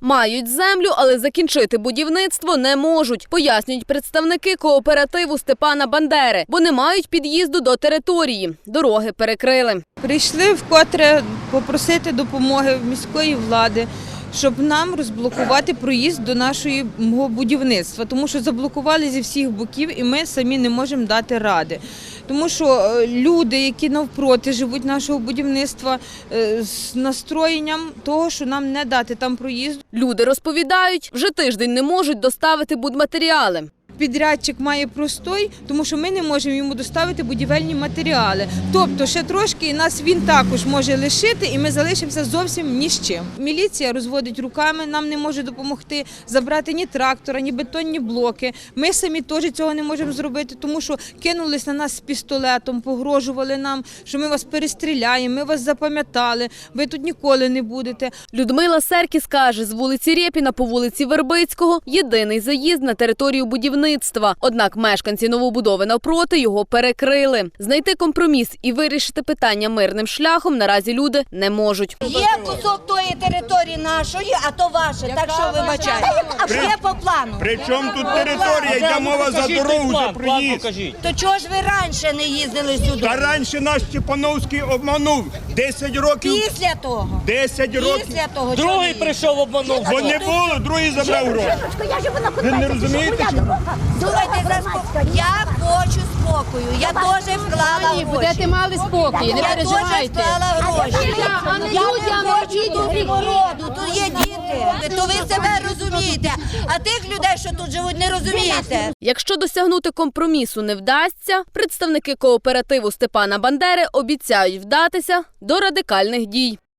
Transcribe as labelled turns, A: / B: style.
A: Мають землю, але закінчити будівництво не можуть, пояснюють представники кооперативу Степана Бандери, бо не мають під'їзду до території. Дороги перекрили.
B: Прийшли вкотре попросити допомоги міської влади, щоб нам розблокувати проїзд до нашого будівництва, тому що заблокували зі всіх боків і ми самі не можемо дати ради. Тому що люди, які навпроти живуть нашого будівництва, з настроєнням того, що нам не дати там проїзду.
A: Люди розповідають, вже тиждень не можуть доставити будматеріали.
B: Підрядчик має простой, тому що ми не можемо йому доставити будівельні матеріали. Тобто ще трошки і нас він також може лишити, і ми залишимося зовсім ні з чим. Міліція розводить руками, нам не може допомогти забрати ні трактора, ні бетонні блоки. Ми самі теж цього не можемо зробити, тому що кинулись на нас з пістолетом, погрожували нам, що ми вас перестріляємо, ми вас запам'ятали, ви тут ніколи не будете.
A: Людмила Серкіс каже, з вулиці Рєпіна по вулиці Вербицького – єдиний заїзд на територію будівництва. Однак мешканці новобудови навпроти його перекрили. Знайти компроміс і вирішити питання мирним шляхом наразі люди не можуть.
C: Є кусок тої території нашої, а то ваше, так що вибачайте. Є по плану.
D: При чому тут територія? Йде мова за дорогу, за проїзд.
C: То чого ж ви раніше не їздили сюди?
D: Та раніше наш Степановський обманув 10 років.
C: Після того.
D: 10 років.
C: Після того.
E: Другий прийшов обманув.
D: Бо не було, другий забрав гроші. Ви не розумієте?
C: Слухайте, я хочу спокою. Я теж вклала гроші.
F: Будете мали спокій, не
C: Я теж
F: переживайте.
C: вклала гроші.
F: А не
C: Я
F: людям,
C: не хочу
F: які
C: тут роду, тут є діти. То ви себе розумієте. А тих людей, що тут живуть, не розумієте.
A: Якщо досягнути компромісу не вдасться, представники кооперативу Степана Бандери обіцяють вдатися до радикальних дій.